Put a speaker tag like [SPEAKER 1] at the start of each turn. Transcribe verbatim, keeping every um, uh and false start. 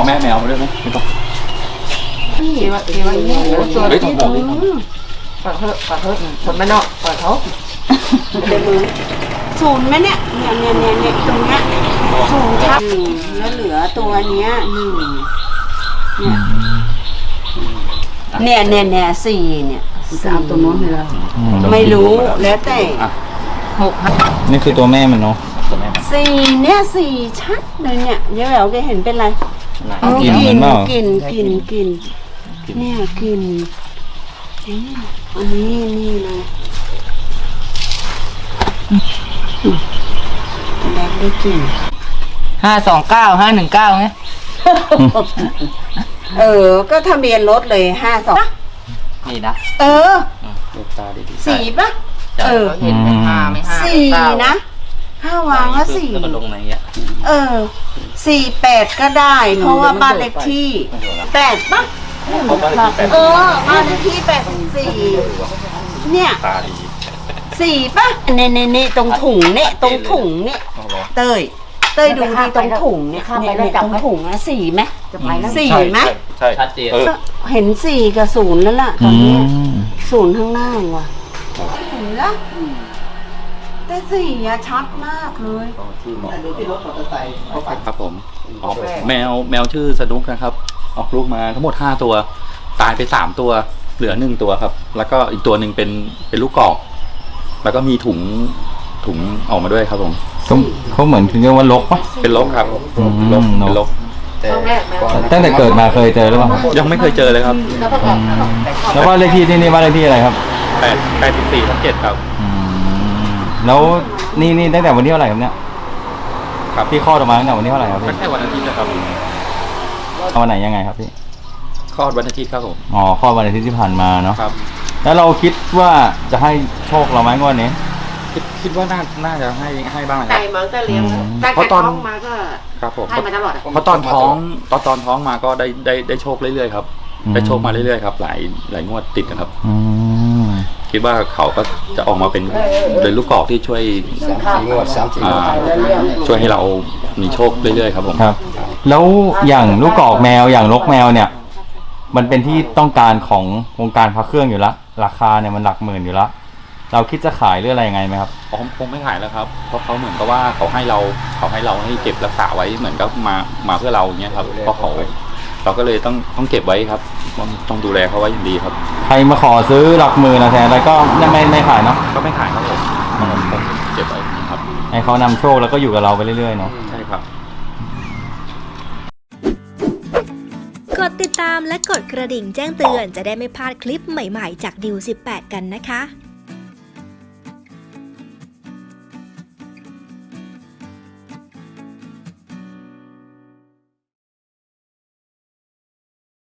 [SPEAKER 1] แม่แมวมาด้วยไหมไม่ต้อง
[SPEAKER 2] นี่ว่าเอว่าเนี่ยตัว
[SPEAKER 1] เฮ้ยต้องบอกดิ
[SPEAKER 2] เปิดเถอะเปิดเถอะคนไม่นอกเปิดเขาเดี๋ยวมือศูนย์ไหมเนี่ยเนี่ยเนี่ยเนี่ยเนี่ยตรงเนี้ยศูนย์ครับแล้วเหลือตัวเนี้ยหนึ่งเนี่ยเนี่ยเนี่ยเนี่ยสี่เนี่ยสามตัวโน้นเลยละไม่รู้แล้วแต่หก
[SPEAKER 3] นี่คือตัวแม่มันเนาะ
[SPEAKER 1] ตัวแม่มัน
[SPEAKER 2] สี่เนี่ยสี่ชัดเลยเนี่ยเดี๋ยวแหววแกเห็นเป็นไร
[SPEAKER 3] กินเหมือนเปล่า
[SPEAKER 2] กินกินกินเนี่ยกินอันนี้นี่เลยแดกได้กิน
[SPEAKER 4] ห้าสองเก้าห้าหนึ่งเก้าไง
[SPEAKER 2] เออก็ทะเบียนรถเลยห้าสอง
[SPEAKER 4] นี่นะ
[SPEAKER 2] เออ
[SPEAKER 1] ลูกตาดี
[SPEAKER 2] สี่ปะเออ
[SPEAKER 4] เห็นไหมห้าไม่ห้า
[SPEAKER 2] สี่นะถ้าวางว่าสี่
[SPEAKER 4] แล้วก็ลงในเงี้ย
[SPEAKER 2] เออสี่แปดก็ได้ เพราะว่าบ้านเลขที่แปดปะ
[SPEAKER 1] เขาบ้านเลขที่แปด
[SPEAKER 2] เออบ้านเลขที่แปดสี่เนี่ย
[SPEAKER 1] ตาดี
[SPEAKER 2] สี่ปะเน่เน่เน่ตรงถุงเนี่ยตรงถุงเนี่ย
[SPEAKER 1] เอาเหรอ
[SPEAKER 2] เต้ยเต้ยดูดีตรงถุงเนี่ยเนี่ยเนี่ยตรงถุงนะสี่ไหมสี่ไหม
[SPEAKER 1] ใช่
[SPEAKER 4] ชัดเจน
[SPEAKER 1] เออ
[SPEAKER 2] เห็นสี่กับศูนย์แล้วล่ะต
[SPEAKER 3] อื
[SPEAKER 2] อนนี้
[SPEAKER 3] ม
[SPEAKER 2] ศูนย์ข้างหน้าว่ะเห็นละแต่สี่อะชัดมากเลย
[SPEAKER 1] ที่เหมาะครับผมออกแมวแมวชื่อสนุกนะครับ ออกลูกมาทั้งหมดห้าตัว ตายไปสามตัว เหลือหนึ่งตัวครับ แล้วก็อีกตัวหนึ่งเป็นเป็นลูกกอก แล้วก็มีถุงถุงออกมาด้วยครับผม
[SPEAKER 3] เขาเขาเหมือนเรียกว่าลกปะ
[SPEAKER 1] เป็นลกครับ
[SPEAKER 3] อืม
[SPEAKER 1] ลกเป็นลก
[SPEAKER 3] ตั้งแต่เกิดมาเคยเจอหรือเปล่า
[SPEAKER 1] ยังไม่เคยเจอเลยครับ
[SPEAKER 3] อืมแล้วบ้านเลขที่ที่นี่บ้านเลขที่อะไรครับ
[SPEAKER 1] แปดแปดสิบสี่ทับเจ็ดครับ
[SPEAKER 3] อืมแล้วนี่นี่ตั้งแต่วันที่เท่าไหร่ครับเนี่ย
[SPEAKER 1] ครับ
[SPEAKER 3] ที่คลอดออกมาตั้งแต่วันที่เท่าไหร่ครับ
[SPEAKER 1] ไม่
[SPEAKER 3] พี่
[SPEAKER 1] ใช่วันอาทิตย์นะครับ
[SPEAKER 3] เอาวันไหนยังไงครับพี่
[SPEAKER 1] คลอดวันอาทิตย์ครับผม
[SPEAKER 3] อ๋อคลอดวันอาทิตย์ที่ผ่านมาเนาะ
[SPEAKER 1] ครับ
[SPEAKER 3] แล้วเราคิดว่าจะให้โชคเราไหมงวดนี้
[SPEAKER 1] คิดคิดว่าน่าน่าจะให้ให้บ้างนะค
[SPEAKER 2] ไก่
[SPEAKER 1] รับ
[SPEAKER 2] มันก็เลี้ยง
[SPEAKER 3] อืม
[SPEAKER 2] ตั้ง
[SPEAKER 1] เพราะต
[SPEAKER 2] แต่
[SPEAKER 1] อน
[SPEAKER 2] ท้องมาก็
[SPEAKER 1] ครับผม
[SPEAKER 2] ให้มาตลอดอะ
[SPEAKER 1] เพราะตอนท้องตอนตอนท้องมาก็ได้ได้ได้โชคเรื่อยๆครับ
[SPEAKER 3] อืม
[SPEAKER 1] ได้โชคมาเรื่อยๆครับ หลายหลายงวดติดนะครับ
[SPEAKER 3] อืม
[SPEAKER 1] คิดว่าเขาก็จะออกมาเป็นเป็นลูกกอกที่ช่วย
[SPEAKER 5] งวดสามสี่ง
[SPEAKER 1] อ่าว
[SPEAKER 5] ด
[SPEAKER 1] ช่วยให้เรามีโชคเรื่อยๆครับผม
[SPEAKER 3] ครับ แล้วอย่างลูกกอกแมวอย่างลกแมวเนี่ย มันเป็นที่ต้องการของวงการพระเครื่องอยู่ละราคาเนี่ยมันหลักหมื่นอยู่ละเราคิดจะขายหรืออะไรยังไงไหมครับ
[SPEAKER 1] อ๋อคงไม่ขายแล้วครับ เพราะเขาเหมือนกับว่าเขาให้เราเขาให้เราให้เก็บรักษาไว้เหมือนกับมามาเพื่อเราอย่างเงี้ยครับเพราะเขาเราก็เลยต้องต้องเก็บไว้ครับต้องต้องดูแลเขาไว้อย่างดีครับ
[SPEAKER 3] ใครมาขอซื้อหลักหมื่นนะแทนแล้วก็ไม่ไม่ขายเนาะ
[SPEAKER 1] ก็ไม่ขายครับผมผมเก็บไว้ครับ
[SPEAKER 3] ให้เขานำโชคแล้วก็อยู่กับเราไปเรื่อยๆเนาะ
[SPEAKER 1] ใช่ครับ
[SPEAKER 6] กดติดตามและกดกระดิ่งแจ้งเตือนจะได้ไม่พลาดคลิปใหม่ๆจากดิวสิบแปดกันนะคะ